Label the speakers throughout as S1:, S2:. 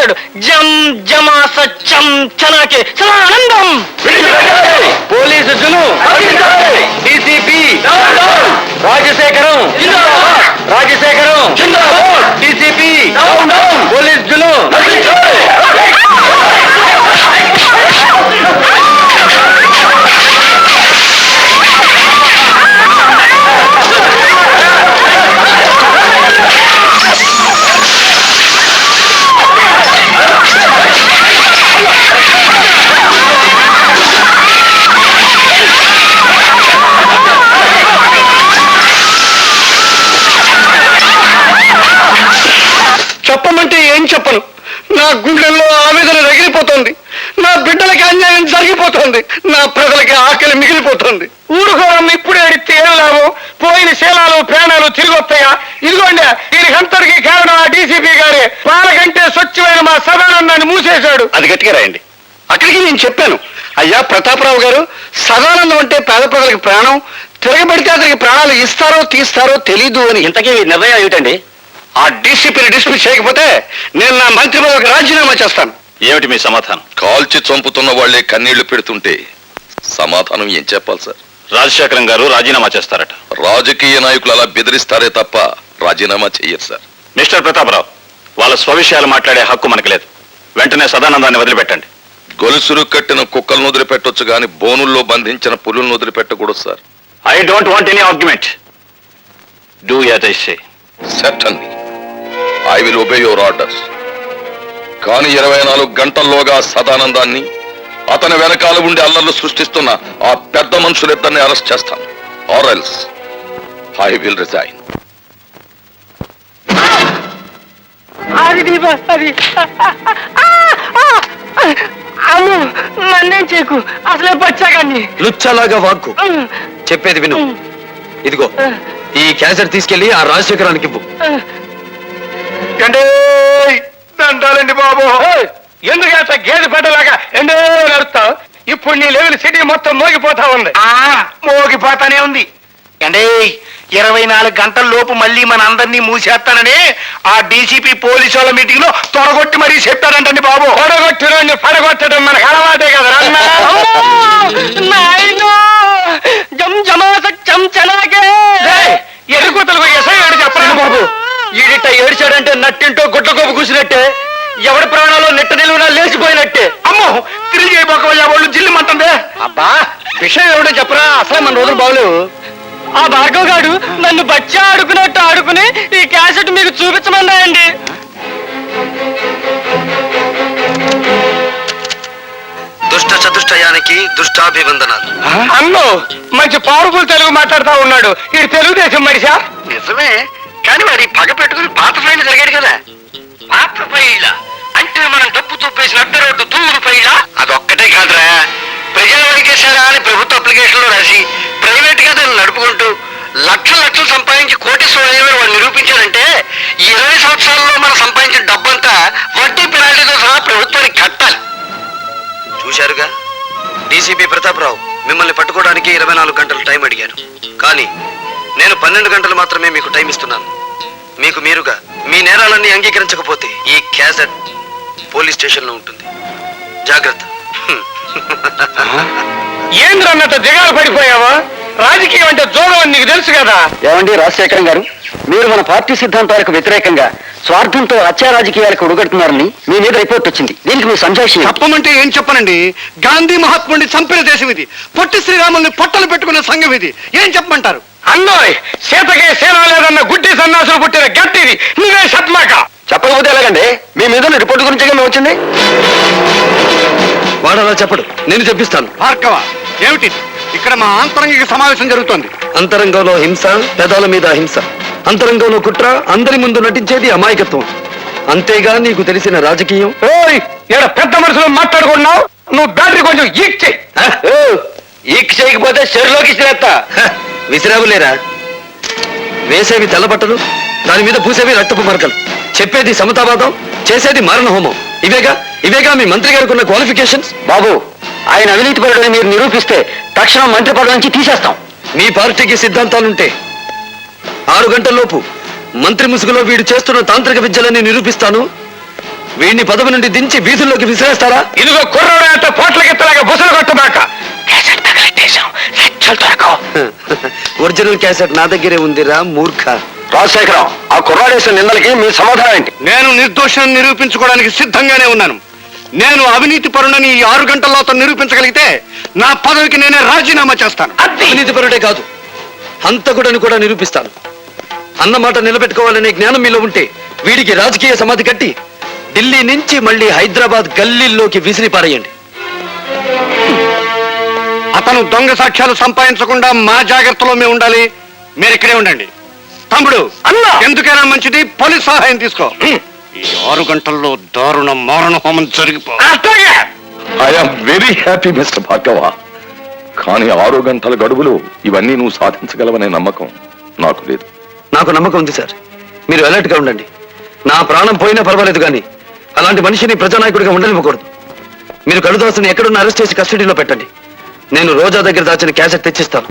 S1: చేశాడు. జం జమా సత్యం చనాకే సదానందం.
S2: పోలీసు జును, DCP Rajasekharam, Rajasekharam, DCP police జును. చెప్పమంటే ఏం చెప్పను. నా గుండెల్లో ఆవేదన రగిలిపోతుంది. నా బిడ్డలకి అన్యాయం జరిగిపోతుంది. నా ప్రజలకి ఆకలి మిగిలిపోతుంది. ఊరుకోవడం ఇప్పుడే అడిగితే ఏం లాభం? పోయిన శీలాలు ప్రాణాలు తిరిగి వస్తాయా? ఇదిగోండి, దీనికంతటికి కారణం ఆ డీసీపీ గారే. వాళ్ళకంటే స్వచ్ఛమైన మా సదానందాన్ని మూసేశాడు. అది గట్టిగా రాయండి. అక్కడికి నేను చెప్పాను, అయ్యా ప్రతాపరావు గారు, సదానందం అంటే పేద ప్రజలకు ప్రాణం. తిరగబడితే అతనికి ప్రాణాలు ఇస్తారో తీస్తారో తెలీదు అని. ఇంతకీ నిర్ణయం ఏమిటండి? ఆ డీసీపీని డిస్మిస్ చేయకపోతే నేను నా మంత్రి పదవికి రాజీనామా చేస్తాను.
S3: ఏమిటి మీ సమాధానం?
S4: కాల్చి చంపుతున్న వాళ్లే కన్నీళ్లు పెడుతుంటే సమాధానం ఏం చెప్పాలి సార్?
S3: రాజశేఖరం గారు రాజీనామా చేస్తారట.
S4: రాజకీయ నాయకులు అలా బెదిరిస్తారే తప్ప రాజీనామా చెయ్యరు సార్.
S3: మిస్టర్ ప్రతాపరావు, వాళ్ళ స్వవిషయాలు మాట్లాడే హక్కు మనకు లేదు. వెంటనే సదానందాన్ని వదిలిపెట్టండి.
S4: గొలుసులు కట్టిన కుక్కలను వదిలిపెట్టొచ్చు గాని బోనుల్లో బంధించిన పులులను వదిలిపెట్టకూడదు sir.
S3: I don't want any argument. Do as I say.
S4: Certainly I will obey your orders. కానీ 24 గంటల్లోగా సదానందాన్ని, అతని వెనకాల ఉండి అల్లర్లు సృష్టిస్తున్న ఆ పెద్ద మనుషులిద్దరిని అరెస్ట్ చేస్తాను. Or else I will resign.
S1: Ammu, నన్నేం చేయకు. అసలే బచ్చాగాన్ని.
S2: లుచ్చలాగా వాక్కు. చెప్పేది విను. ఇదిగో ఈ క్యాసెట్ తీసుకెళ్లి ఆ రాజశేఖరానికి ఇవ్వు.
S1: దండాలండి బాబు. ఎందుకు గేదె పెట్టలాగా ఎండో నడుస్తావు? ఇప్పుడు నీ లెవెల్ సిటీ మొత్తం మోగిపోతా ఉంది. మోగిపోతానే ఉంది. అంటే 24 గంటల లోపు మళ్ళీ మన అందరినీ మూసేస్తానని ఆ డీసీపీ పోలీసు వాళ్ళ మీటింగ్ లో తొడగొట్టి మరీ చెప్పారంటండి బాబు. తొడగొట్టి పడగొట్టడం మనకు అలవాటే కదా. ఎదుగుతలకు ఎసయ్యాడు చెప్పండి బాబు. ఈడిట ఏడ్చాడంటే నట్టింటో గుడ్ల గోపు కూసినట్టే, ఎవరి ప్రాణాలు నెట్ట నిలువునా లేచిపోయినట్టే. అమ్మో, తిరిగి అయిపోకవయ్యా వాళ్ళు జిల్లుమంటుందే. అబ్బా, విషయం ఏమిటో చెప్పరా? అసలే మన రోజులు బాగలేవు. ఆ భార్గవ్ గారు నన్ను బచ్చా ఆడుకున్నట్టు ఆడుకుని ఈ క్యాసెట్ మీకు చూపించమన్నాయండి.
S2: దుష్ట చతుష్టయానికి దుష్టాభివందనాలు.
S1: అన్నో, మంచి పవర్ఫుల్ తెలుగు మాట్లాడుతా ఉన్నాడు. ఇది తెలుగుదేశం మనిషా? నిజమే, కానీ వాడి పగ పెట్టుకుని పాత ఫైల్ జరిగాడు కదా. పాత ఫైళ్ళ అంటే మనం డబ్బు తొప్పేసిన అడ్డ రోడ్డు తూరు ఫైళ్ళ. అదొక్కటే కాదురా, ప్రజలు అడిగేశారా అని ప్రభుత్వ అప్లికేషన్ లో రాసి ప్రైవేట్ గా దాన్ని నడుపుకుంటూ లక్షలు సంపాదించి కోటీశ్వరుడు వాడు నిరూపించారంటే 20 సంవత్సరాల్లో మనం సంపాదించిన డబ్బంతా వడ్డీ పెనాల్టీతో సహా ప్రభుత్వానికి కట్టాలి.
S2: చూశారుగా, డీసీపీ ప్రతాపరావు మిమ్మల్ని పట్టుకోవడానికి 24 గంటలు టైం అడిగాను. కానీ నేను 12 గంటలు మాత్రమే మీకు టైం ఇస్తున్నాను. మీకు మీరుగా మీ నేరాలన్నీ అంగీకరించకపోతే ఈ క్యాసెట్ పోలీస్ స్టేషన్ లో ఉంటుంది. జాగ్రత్త.
S1: ఏంద్రన్నట్టు దిగాలు పడిపోయావా? రాజకీయం అంటే జోగం అని నీకు తెలుసు కదా.
S5: ఏమండి రాజశేఖరం గారు, మీరు మన పార్టీ సిద్ధాంతాలకు వ్యతిరేకంగా స్వార్థంతో హత్యా రాజకీయాలకు ఉడగడుతున్నారని మీ మీద రిపోర్ట్ వచ్చింది. దీనికి మీ సంజాషి
S6: చెప్పమంటే ఏం చెప్పనండి? గాంధీ మహాత్ముడిని చంపిన దేశం ఇది. పొట్టి శ్రీరాముల్ని పొట్టలు పెట్టుకున్న సంఘం ఇది. ఏం చెప్పమంటారు?
S1: అన్నోయ్, సీతకే సేన లేదన్న గుడ్డి సన్నాసులు పుట్టిన గట్టిది. నువ్వే చెప్పమాక.
S5: చెప్పకపోతే ఎలాగండి? మీ మీద రిపోర్ట్ గురించి మేము వచ్చింది.
S2: వాడు అలా చెప్పడు, నేను చెప్పిస్తాను.
S6: భార్గవ, ఏమిటి ఇక్కడ మా ఆంతరంగిక సమావేశం జరుగుతోంది?
S2: అంతరంగంలో హింస, పెదాల మీద హింస. అంతరంగంలో కుట్ర, అందరి ముందు నటించేది అమాయకత్వం. అంతేగా నీకు తెలిసిన రాజకీయం?
S1: ఓయ్, ఇక్కడ పెద్ద మనుషులు మాట్లాడుకున్నావు. నువ్వు బ్యాటరీ కొంచెం ఈక్ చెయ్యి.
S5: ఈక్ చేయకపోతే చెరులోకి ఇచ్చిరేస్తా.
S2: విసిరావులేరా? వేసేవి తెల్లబట్టలు, దాని మీద పూసేవి రక్తపు మరకలు. చెప్పేది సమతావాదం, చేసేది మారణ హోమం. ఇవేగా మీ మంత్రి గారికి ఉన్న క్వాలిఫికేషన్స్.
S5: బాబు, ఆయన అవినీతి పరుడని మీరు నిరూపిస్తే తక్షణం మంత్రి పదవి నుంచి తీసేస్తాం.
S2: మీ పార్టీకి సిద్ధాంతాలుంటే 6 గంటల్లోపు మంత్రి ముసుగులో వీడు చేస్తున్న తాంత్రిక విద్యలని నిరూపిస్తాను. వీడిని పదవి నుండి దించి వీధుల్లోకి విసిరేస్తారా?
S1: ఇదిగో కుర్రోడు అంత పోట్లకెత్తలాగా బుసలు కొట్టబాక
S2: ఒరిజినల్ క్యాసెట్ నా దగ్గరే ఉందిరా మూర్ఖ.
S3: రాజశేఖరం, ఆ కుర్రాడేసిన నిందలకి మీ సమాధానం ఏంటి?
S6: నేను నిర్దోషాన్ని నిరూపించుకోవడానికి సిద్ధంగానే ఉన్నాను. నేను అవినీతి పరుణని ఈ 6 గంటల్లో అతను నిరూపించగలిగితే నా పదవికి నేనే రాజీనామా చేస్తాను.
S2: అవినీతిపరుడే కాదు, హంతకుడని కూడా నిరూపిస్తాను. అన్నమాట నిలబెట్టుకోవాలనే జ్ఞానం మీలో ఉంటే వీడికి రాజకీయ సమాధి కట్టి ఢిల్లీ నుంచి మళ్ళీ హైదరాబాద్ గల్లీల్లోకి విసిరి పారేయండి.
S6: అతను దొంగ సాక్ష్యాలు సంపాదించకుండా మా జాగ్రత్తలో మేము ఉండాలి. మీరు ఇక్కడే ఉండండి. తమ్ముడు,
S1: అన్నా!
S6: ఎందుకైనా మంచిది పోలీస్ సహాయం తీసుకో. ఈ 6 గంటల్లో దారుణ మారణ హోమం జరిగిపో.
S1: అట్లాగే
S4: I'm very happy mister Bhargava. కానీ 6 గంటల గడువులో ఇవన్నీ నువ్వు సాధించగలవనే నమ్మకం నాకు లేదు.
S2: నాకు నమ్మకం ఉంది సార్. మీరు అలర్ట్ గా ఉండండి. నా ప్రాణం పోయినా పర్వాలేదు కానీ అలాంటి మనిషిని ప్రజానాయకుడిగా ఉండనివ్వకూడదు. మీరు కడుదాసుని ఎక్కడున్న అరెస్ట్ చేసి కస్టడీలో పెట్టండి. నేను రోజా దగ్గర దాచిన క్యాసెట్ తెచ్చిస్తాను.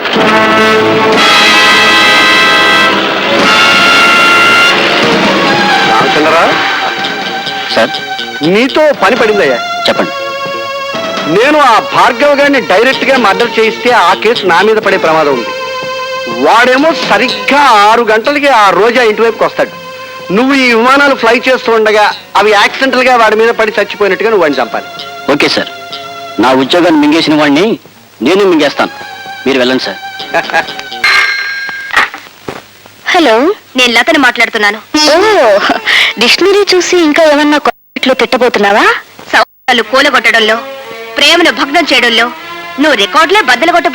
S6: రామచంద్రరా,
S5: సార్
S6: నీతో పని పడిందయ్యా.
S5: చెప్పండి.
S6: నేను ఆ భార్గవ్ గారిని డైరెక్ట్ గా మర్డర్ చేయిస్తే ఆ కేసు నా మీద పడే ప్రమాదం ఉంది. వాడేమో సరిగ్గా 6 గంటలకి ఆ రోజా ఇంటివైపుకి వస్తాడు. నువ్వు ఈ విమానాలు ఫ్లై చేస్తూ ఉండగా అవి యాక్సిడెంటల్ గా వాడి మీద పడి చచ్చిపోయినట్టుగా నువ్వు వాడిని చంపాలి.
S5: Okay sir. నా ఉద్యోగాన్ని మింగేసిన వాడిని నేను మింగేస్తాను. మీరు వెళ్ళండి సార్.
S7: హలో, నేను లతని మాట్లాడుతున్నాను. ఓ, డిక్షనరీ చూసి ఇంకా ఏమన్నా కొట్లో తిట్టబోతున్నావా? సవాళ్ళు కూలగొట్టడంలో, ప్రేమను భగ్నం చేయడంలో నువ్వు రికార్డులే బద్దలు కొట్టబో.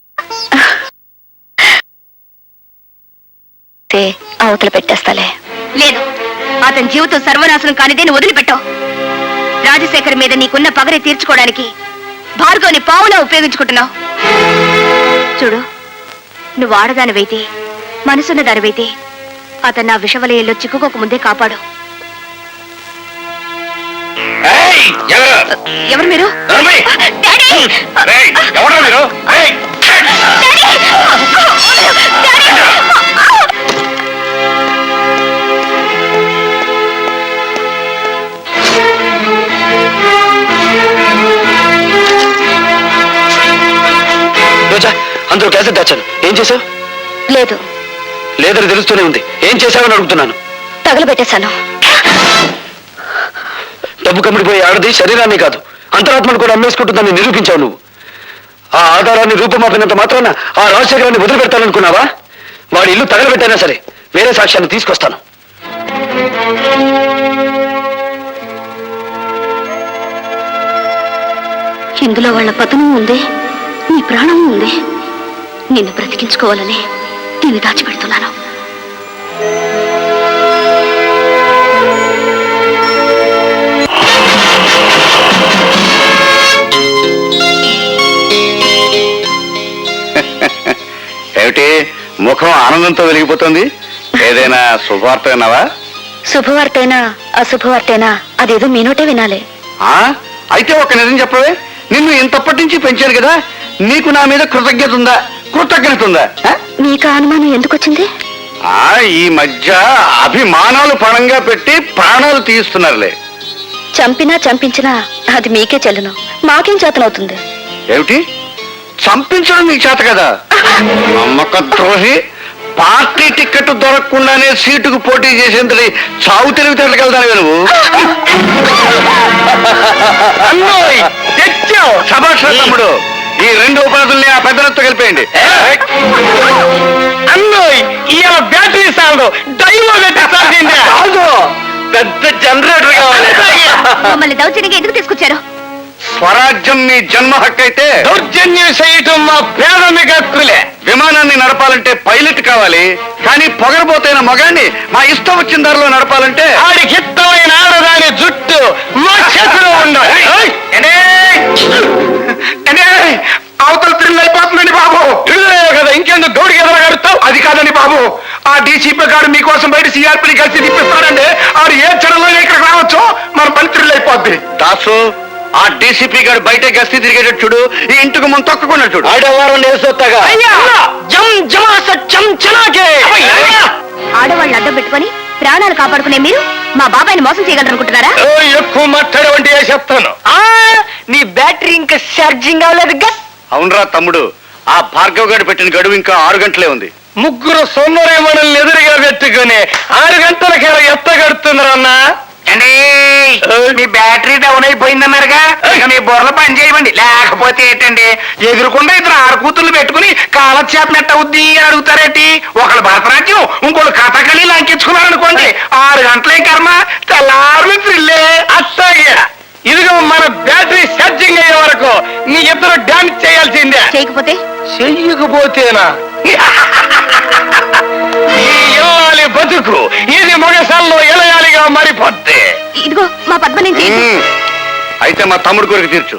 S7: అవతల పెట్టేస్తాలే. లేదు, అతని జీవితం సర్వనాశనం కానిదే నువ్వు వదిలిపెట్టావు. రాజశేఖర్ మీద నీకున్న పగని తీర్చుకోవడానికి భార్గవ్ని పావులా ఉపయోగించుకుంటున్నావు. చూడు, నువ్వు ఆడదానివైతే, మనసున్న దానివైతే అతను నా విషవలయంలో చిక్కుకోక ముందే కాపాడు. ఎవరు మీరు? డాడీ!
S1: ఎవరా మీరు?
S2: రోజా, అందులో క్యాసెట్ దాచాను. ఏం చేసావు?
S7: లేదు,
S2: లేదని తెలుస్తూనే ఉంది. ఏం చేశావని అడుగుతున్నాను.
S7: తగలబెట్టేశాను.
S2: డబ్బు కమ్మిడిపోయే ఆడది శరీరాన్ని కాదు, అంతరాత్మను కూడా అమ్మేసుకుంటుందని నిరూపించావు నువ్వు. ఆ ఆధారాన్ని రూపమాపినంత మాత్రాన ఆ రాజశేఖరాన్ని వదిలిపెడతాననుకున్నావా? వాడి ఇల్లు తగలబెట్టైనా సరే వేరే సాక్ష్యాన్ని తీసుకొస్తాను.
S7: ఇందులో వాళ్ళ పతనం ఉంది, నీ ప్రాణం ఉంది. నిన్ను బ్రతికించుకోవాలని దీన్ని దాచిపెడుతున్నాను.
S6: ఏమిటి ముఖం ఆనందంతో వెలిగిపోతుంది? ఏదైనా శుభవార్త విన్నావా?
S7: శుభవార్తైనా అశుభవార్తైనా అదేదో మీ నోటే వినాలి.
S6: అయితే ఒక నిజం చెప్పవే. నిన్ను ఇంతప్పటి నుంచి పెంచాను కదా, నీకు నా మీద కృతజ్ఞత ఉందా?
S7: నీకు అనుమానం ఎందుకు వచ్చింది?
S6: ఈ మధ్య అభిమానాలు పణంగా పెట్టి ప్రాణాలు తీస్తున్నారులే.
S7: చంపినా చంపించినా అది మీకే చెల్లును, మాకేం చేతనవుతుంది?
S6: ఏమిటి, చంపించడం నీకు చేత కదా? నమ్మక ద్రోహి. పార్టీ టికెట్ దొరకకుండానే సీటుకు పోటీ చేసేంతటి చావు తెలివితేటకెళ్తాను నువ్వు. శభాష్ తమ్ముడు. ఈ 2 ఉపాధుల్ని ఆ పెద్దలతో కలిపేయండి.
S1: అన్నోయ్, ఇవాళ బ్యాటరీ సాగు డైవో పెట్టేస్తాల్సిందే.
S2: పెద్ద జనరేటర్ కావాలి.
S7: మమ్మల్ని దౌర్జన్యంగా ఎందుకు తీసుకొచ్చారు?
S6: స్వరాజ్యం మీ జన్మ హక్కు అయితే
S1: దౌర్జన్యం చేయటం మా ప్రాథమిక హక్కులే.
S6: విమానాన్ని నడపాలంటే పైలట్ కావాలి, కానీ పొగరబోతైన మగాన్ని మా ఇష్టం వచ్చిన దారిలో నడపాలంటే
S1: ఆడికి ఇష్టమైన ఆడదాని జుట్టు మా చేతిలో ఉండాలి.
S6: అవతల థ్రిల్ అయిపోతుందండి బాబు.
S1: కదా, ఇంకెందుకు గౌడికి ఎదరగడుతావు?
S6: అది కాదండి బాబు, ఆ డీసీపీ గారు మీకోసం బయట సిఆర్పీని కలిసి తిప్పిస్తాడండి. ఆడు ఏ క్షణంలో ఇక్కడికి రావచ్చు, మన పని థ్రిల్ అయిపోద్ది. దాసు, ఆ డీసీపీ గారు బయట గస్తీ తిరిగేటట్టు చూడు, ఈ ఇంటికి ముందు తొక్కకుండా చూడు.
S2: ఆడవారం నేసొత్తగా
S7: ఆడవాళ్ళు అడ్డం పెట్టుకొని ప్రాణాలు కాపాడుకునే మీరు మా బాబాయ్ని మోసం చేయగలరనుకుంటున్నారా?
S2: ఎక్కువ మాట్లాడవంటి చెప్తాను.
S1: నీ బ్యాటరీ ఇంకా ఛార్జింగ్ అవ్వలేదు.
S2: అవునరా తమ్ముడు, ఆ భార్గవ్ గారు పెట్టిన గడువు ఇంకా 6 గంటలే ఉంది. ముగ్గురు సొన్నరే మనల్ని ఎదురుగా పెట్టుకుని 6 గంటలకి ఎత్తగడుతున్నారన్నా.
S1: మీ బ్యాటరీ డౌన్ అయిపోయిందన్నారుగా, ఇక మీ బుర్రలు పని చేయమండి. లేకపోతే ఏంటండి, ఎదురుకుండా 2 ఆడకూతులు పెట్టుకుని కాలక్షేపం ఎట్టవుద్ది అని అడుగుతారేంటి? ఒకళ్ళు భరతనాట్యం, ఇంకోళ్ళు కథకళి లంకించుకున్నారనుకోండి, 6 గంటలే కర్మ, తెల్లారు త్రిల్లే.
S2: అట్టాగే ఇదిగో మన బ్యాటరీ ఛార్జింగ్ అయ్యే వరకు నీ ఇద్దరు డాన్స్ చేయాల్సిందే.
S7: చేయకపోతే
S2: చెయ్యకపోతేనా ఈ ఇల్లాలి బతుకు ఇది మొగసాల్లో ఎలయాలిగా మారిపోద్ది.
S7: ఇదిగో మా పద్మ నుంచి
S2: అయితే మా తమ్ముడు కొరకు తీర్చు.